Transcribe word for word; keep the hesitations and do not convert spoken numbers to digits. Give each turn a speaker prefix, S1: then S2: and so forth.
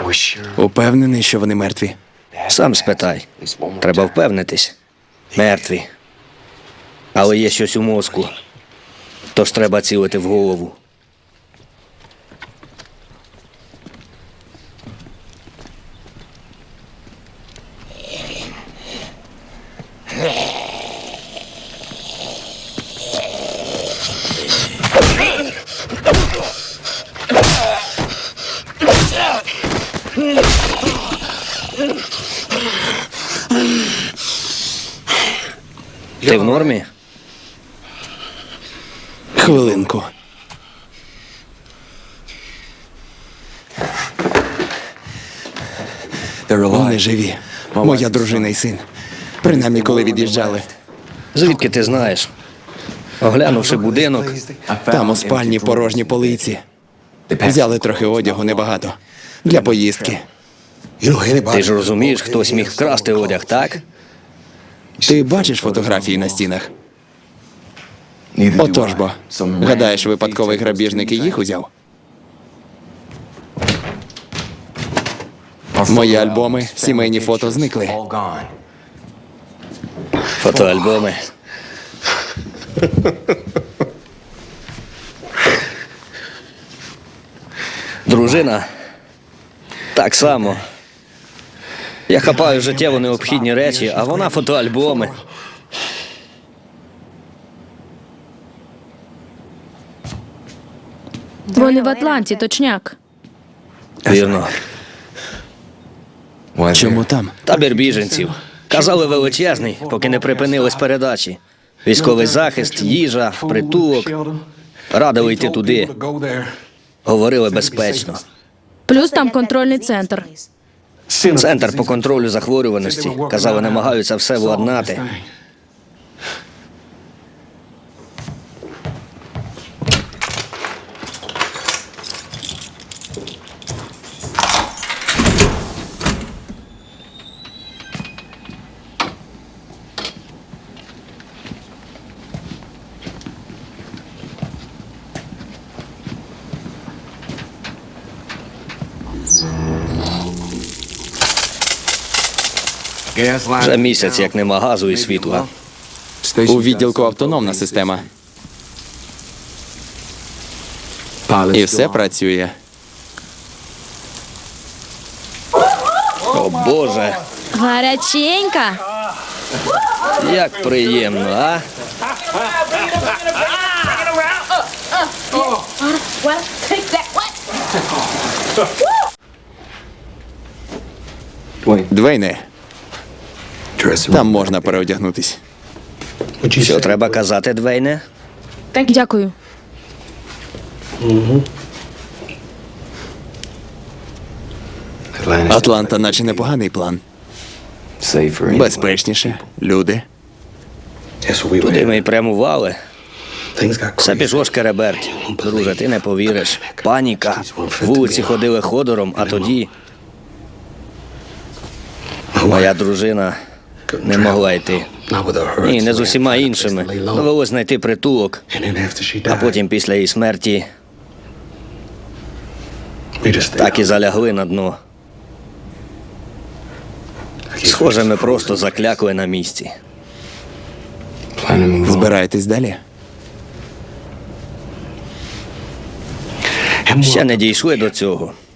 S1: Упевнений, що вони мертві?
S2: Сам спитай. Треба впевнитись. Мертві. Але є щось у мозку. Тож треба цілити в голову. Ти в нормі?
S1: Хвилинку. Вони живі. Моя дружина і син. Принаймні, коли від'їжджали.
S2: Звідки ти знаєш? Оглянувши будинок,
S1: Там у спальні порожні полиці. Взяли трохи одягу, небагато. Для поїздки.
S2: ти ж розумієш, хтось міг вкрасти одяг, так?
S1: Ти бачиш фотографії на стінах? Отож бо. Гадаєш, випадковий грабіжник і їх узяв? Мої альбоми, сімейні фото зникли.
S2: Фотоальбоми. Дружина. Так само. Я хапаю життєво необхідні речі, а вона фотоальбоми.
S3: Вони в Атланті, точняк.
S2: Вірно.
S1: Чому там?
S2: Табір біженців. Казали, величезний, поки не припинились передачі. Військовий захист, їжа, притулок. Радили йти туди. Говорили безпечно.
S3: Плюс там контрольний центр.
S2: Центр по контролю захворюваності. Казали, намагаються все владнати. Вже місяць, як нема газу і світла.
S1: У відділку автономна система. І все працює.
S2: О, Боже,
S3: Гаряченька.
S2: як приємно, а?
S4: Well, take that. What?
S1: Двейне, там можна переодягнутись.
S2: Що треба казати, Двейне?
S3: Дякую.
S1: Атланта наче непоганий план. Безпечніше, люди.
S2: Туди ми й прямували. Все пішло шкереберть. Друже, ти не повіриш. Паніка. Вулиці ходили ходором, а тоді моя дружина не могла йти. Ні, не з усіма іншими. Довелось знайти притулок. А потім після її смерті так і залягли на дно. Схоже, ми просто заклякли на місці.
S1: Збираєтесь далі?
S2: Ще не дійшли до цього.